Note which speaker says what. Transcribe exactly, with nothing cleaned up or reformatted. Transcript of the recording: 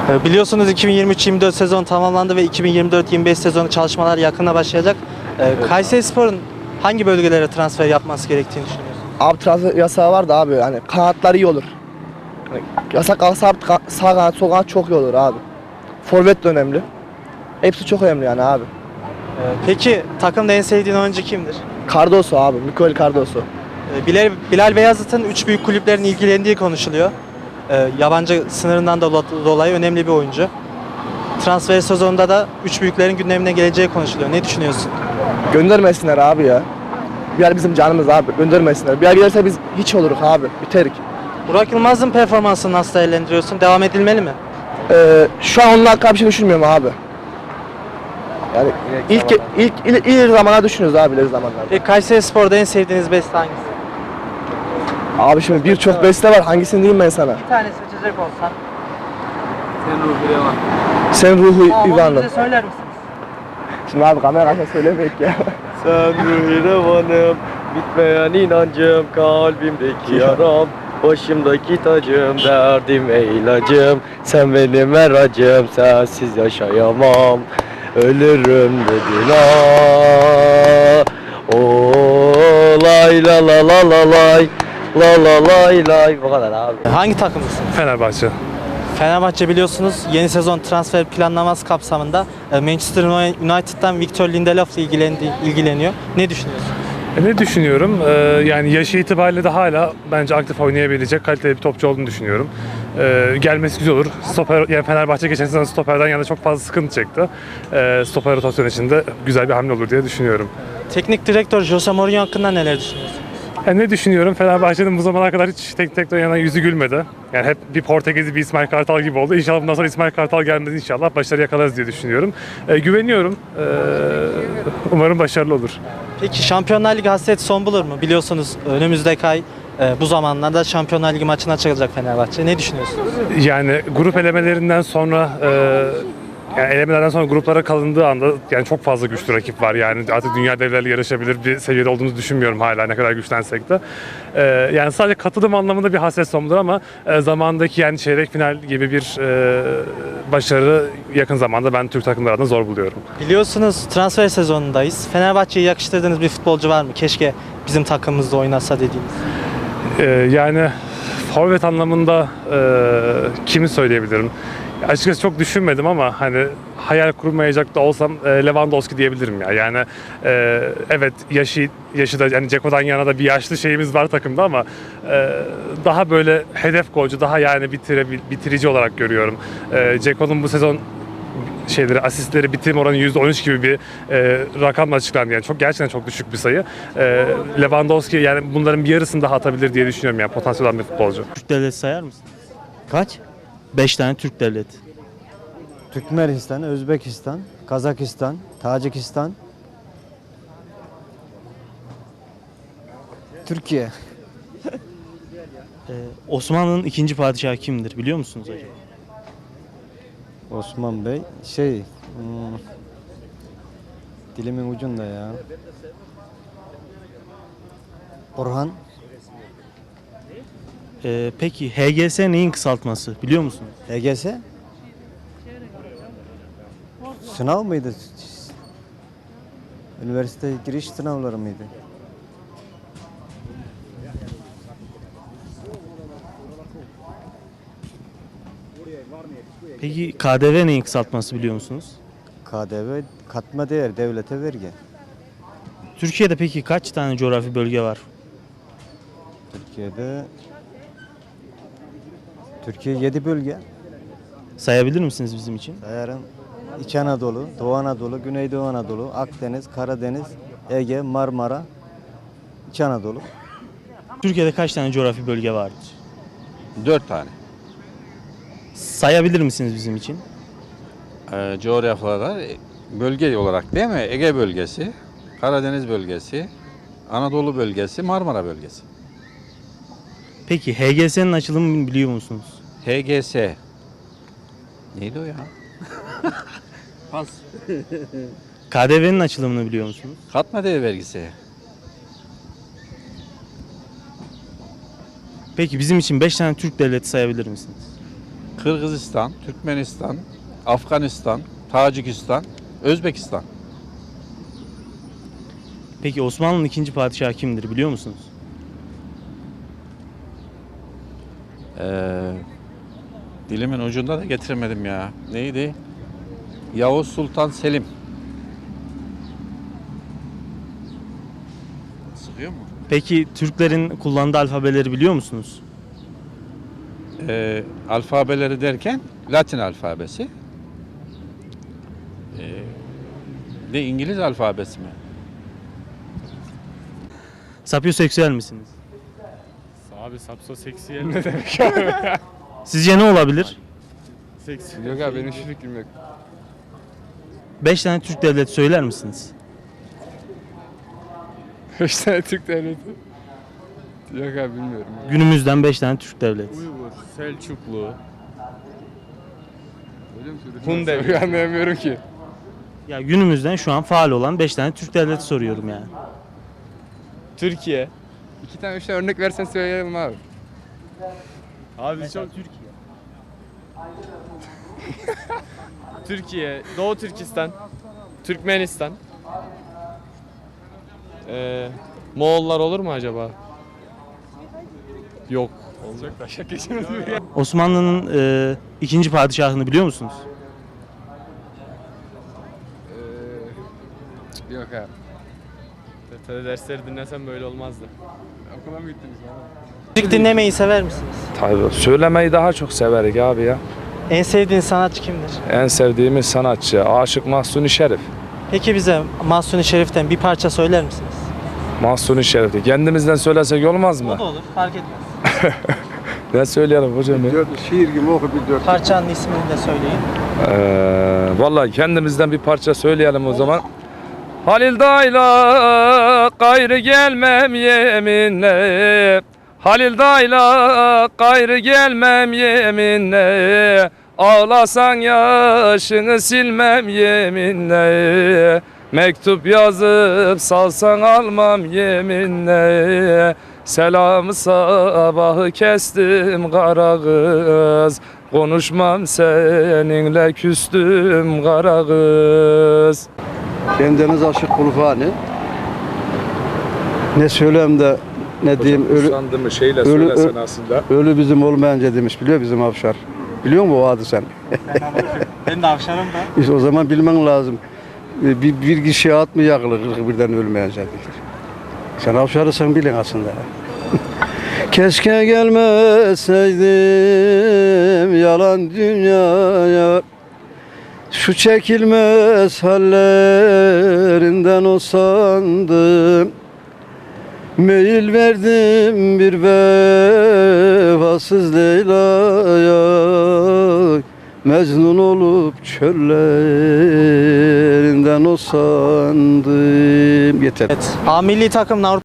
Speaker 1: Ee, Biliyorsunuz iki bin yirmi üç yirmi dört sezon tamamlandı ve iki bin yirmi dört yirmi beş sezonu çalışmalar yakında başlayacak. Ee, Kayserispor'un hangi bölgelere transfer yapması gerektiğini düşünüyorsunuz?
Speaker 2: Abi transfer yasağı var da abi hani kanatlar iyi olur. Hani yasak kalsa abi ka- sağ kanat sol kanat çok iyi olur abi. Forvet de önemli. Hepsi çok önemli yani abi.
Speaker 1: Ee, Peki takımda en sevdiğin oyuncu kimdir?
Speaker 2: Cardoso abi, Mikael Cardoso.
Speaker 1: Ee, Bilal, Bilal Beyazıt'ın üç büyük kulüplerin ilgilendiği konuşuluyor. Ee, yabancı sınırından dola- dolayı önemli bir oyuncu. Transfer sezonunda da üç büyüklerin gündemine geleceği konuşuluyor. Ne düşünüyorsun?
Speaker 2: Göndermesinler abi ya. Bir yer bizim canımız abi, göndermesinler. Bir yer gelirse biz hiç oluruz abi, biterik.
Speaker 1: Burak Yılmaz'ın performansını nasıl değerlendiriyorsun? Devam edilmeli mi?
Speaker 2: Ee, şu an onun hakkında bir şey düşünmüyorum abi. Yani ilk ilk ilk ileri zamana düşünüyoruz abi, ileri zamanlarda.
Speaker 1: Peki Kayserispor'da en sevdiğiniz beste hangisi?
Speaker 2: Abi şimdi birçok beste var, hangisini diyeyim ben sana?
Speaker 1: Bir tane seçecek olsan.
Speaker 2: Sen ruhu
Speaker 1: Tamam, onu
Speaker 2: İvan'la.
Speaker 1: bize söyler misiniz?
Speaker 2: Şimdi abi kamera karşısında söylemeyek ya.
Speaker 3: Sen ruhirevanım, bitmeyen inancım, kalbimdeki yaram, başımdaki tacım, derdim ilacım. Sen benim her acım, sensiz yaşayamam. Ölürüm dedin ah. Oh, lay la la la la lay, la la lay lay. Bu kadar abi.
Speaker 1: Hangi takımlısın?
Speaker 4: Fenerbahçe.
Speaker 1: Fenerbahçe biliyorsunuz yeni sezon transfer planlaması kapsamında e, Manchester United'dan Victor Lindelof'la ilgilendi, ilgileniyor. Ne düşünüyorsun?
Speaker 4: E, ne düşünüyorum? Ee, yani yaşı itibariyle de hala bence aktif oynayabilecek kaliteli bir topçu olduğunu düşünüyorum. Ee, gelmesi güzel olur. Stoper, yani Fenerbahçe geçen sezon stoperden yana çok fazla sıkıntı çekti. Ee, stoper rotasyonu için de güzel bir hamle olur diye düşünüyorum.
Speaker 1: Teknik direktör Jose Mourinho hakkında neler düşünüyorsun?
Speaker 4: Yani ne düşünüyorum? Fenerbahçe'nin bu zamana kadar hiç teknik direktör yana yüzü gülmedi. Yani hep bir Portekizli bir İsmail Kartal gibi oldu. İnşallah bundan sonra İsmail Kartal gelmez, inşallah başarı yakalarız diye düşünüyorum. Ee, güveniyorum. Ee, umarım başarılı olur.
Speaker 1: Peki Şampiyonlar Ligi hasreti son bulur mu? Biliyorsunuz önümüzdeki ay e, bu zamanlarda Şampiyonlar Ligi maçına çıkacak Fenerbahçe. Ne düşünüyorsunuz?
Speaker 4: Yani grup elemelerinden sonra e, yani elemelerden sonra gruplara kalındığı anda yani çok fazla güçlü rakip var. Yani artık dünya devleriyle yarışabilir bir seviyede olduğumuzu düşünmüyorum hala ne kadar güçlensek de. E, yani sadece katılım anlamında bir hasret sondur ama e, zamandaki yani çeyrek final gibi bir e, başarı yakın zamanda ben Türk takımları adına zor buluyorum.
Speaker 1: Biliyorsunuz transfer sezonundayız. Fenerbahçe'yi yakıştırdığınız bir futbolcu var mı? Keşke bizim takımımızda oynasa dediğiniz.
Speaker 4: E, yani forvet anlamında e, kimi söyleyebilirim? Açıkçası çok düşünmedim ama hani hayal kurmayacak da olsam e, Lewandowski diyebilirim ya. Yani e, evet yaşı yaşı da yani Ceko'dan yana da bir yaşlı şeyimiz var takımda ama e, daha böyle hedef golcü, daha yani bitire, bitirici olarak görüyorum. E, Ceko'nun bu sezon şeyleri, asistleri, bitirme oranı yüzde on üç gibi bir e, rakamla açıklandı. Yani çok gerçekten çok düşük bir sayı. E, Lewandowski yani bunların bir yarısını daha atabilir diye düşünüyorum yani potansiyel olan bir futbolcu.
Speaker 1: Türk devleti sayar mısın?
Speaker 5: Kaç?
Speaker 1: beş tane Türk devleti.
Speaker 5: Türkmenistan, Özbekistan, Kazakistan, Tacikistan, Türkiye.
Speaker 1: Ee, Osmanlı'nın ikinci padişahı kimdir biliyor musunuz acaba?
Speaker 5: Osman Bey, şey, hmm, dilimin ucunda ya. Orhan,
Speaker 1: Ee, peki H G S neyin kısaltması biliyor musunuz?
Speaker 5: H G S. Sınav mıydı? Üniversite giriş sınavları mıydı?
Speaker 1: Peki K D V neyin kısaltması biliyor musunuz?
Speaker 5: K D V, katma değer, devlete vergi.
Speaker 1: Türkiye'de peki kaç tane coğrafi bölge var?
Speaker 5: Türkiye'de, Türkiye yedi bölge.
Speaker 1: Sayabilir misiniz bizim için?
Speaker 5: Sayarım. İç Anadolu, Doğu Anadolu, Güneydoğu Anadolu, Akdeniz, Karadeniz, Ege, Marmara, İç Anadolu.
Speaker 1: Türkiye'de kaç tane coğrafi bölge vardır?
Speaker 6: Dört tane.
Speaker 1: Sayabilir misiniz bizim için?
Speaker 6: Ee, coğrafyalar bölge olarak değil mi? Ege bölgesi, Karadeniz bölgesi, Anadolu bölgesi, Marmara bölgesi.
Speaker 1: Peki H G S'nin açılımını biliyor musunuz?
Speaker 6: H G S. Neydi o ya? Pas.
Speaker 1: K D V'nin açılımını biliyor musunuz?
Speaker 6: Katma değer vergisi.
Speaker 1: Peki bizim için beş tane Türk devleti sayabilir misiniz?
Speaker 6: Kırgızistan, Türkmenistan, Afganistan, Tacikistan, Özbekistan.
Speaker 7: Peki Osmanlı'nın ikinci padişahı kimdir biliyor musunuz?
Speaker 6: Ee, dilimin ucunda da getiremedim ya. Neydi? Yavuz Sultan Selim. Sıkıyor mu?
Speaker 7: Peki Türklerin kullandığı alfabeleri biliyor musunuz?
Speaker 6: Ee, alfabeleri derken Latin alfabesi. Ee, de İngiliz alfabesi mi?
Speaker 7: Sapyoseksüel misiniz?
Speaker 4: Abi sapsoseksüel ne demek abi?
Speaker 7: Sizce ne olabilir?
Speaker 3: Yok abi benim hiçbir fikrim yok.
Speaker 7: Beş tane Türk devleti söyler misiniz?
Speaker 3: Beş tane Türk devleti. Yok abi bilmiyorum.
Speaker 7: Günümüzden beş tane Türk devleti.
Speaker 3: Uygur, Selçuklu. Hun devleti. Anlayamıyorum ki.
Speaker 7: Ya günümüzden şu an faal olan beş tane Türk devleti soruyorum yani.
Speaker 3: Türkiye. İki tane üç tane örnek versen söyleyelim abi.
Speaker 8: Abi çok Türkiye. Türkiye, Doğu Türkistan, Türkmenistan. Ee, Moğollar olur mu acaba? Yok.
Speaker 3: Olacak da şaka geçemez mi ya?
Speaker 7: Osmanlı'nın e, ikinci padişahını biliyor musunuz?
Speaker 3: Ee, yok abi.
Speaker 8: T T dersleri dinlesem böyle olmazdı.
Speaker 3: Okula mı gittiniz abi?
Speaker 1: Müzik dinlemeyi sever misiniz?
Speaker 9: Tabii söylemeyi daha çok severik abi ya.
Speaker 1: En sevdiğiniz sanatçı kimdir?
Speaker 9: En sevdiğimiz sanatçı Aşık Mahsuni Şerif.
Speaker 1: Peki bize Mahsuni Şerif'ten bir parça söyler misiniz?
Speaker 9: Mahsuni Şerif'i kendimizden söylesek olmaz
Speaker 1: O
Speaker 9: mı?
Speaker 1: da olur, fark etmez.
Speaker 9: Ne söyleyelim hocam ya?
Speaker 10: Şiir gibi oku bir dört.
Speaker 1: Parçanın ismini de söyleyin.
Speaker 9: Ee, vallahi kendimizden bir parça söyleyelim o zaman. Halil dayla gayrı gelmem yeminle. Halil dayla gayrı gelmem yeminle. Ağlasan yaşını silmem yeminle. Mektup yazıp salsan almam yeminle. Selamı sabahı kestim kara kız. Konuşmam seninle küstüm kara kız.
Speaker 10: Bendeniz aşık kulfani. Ne söyleyeyim de ne diyeyim ölü,
Speaker 9: Usandı mı şeyle
Speaker 10: ölü-
Speaker 9: söylesen
Speaker 10: ölü-
Speaker 9: aslında.
Speaker 10: ölü bizim olmayınca demiş biliyor bizim Avşar. Biliyor musun o adı sen?
Speaker 1: Ben de avşarım da.
Speaker 10: İşte o zaman bilmen lazım. Bir, bir kişiye at mı yakılır kırk birden ölmeyince diyor. Sen Avşar'ı sen bilin aslında. Keşke gelmeseydim yalan dünyaya. Şu çekilmez hallerinden o sandım. Meyil verdim bir vefasız Leyla'ya. Mecnun olup çöllerinden o sandım. Yeter.
Speaker 1: Evet. A milli takımın Avrupa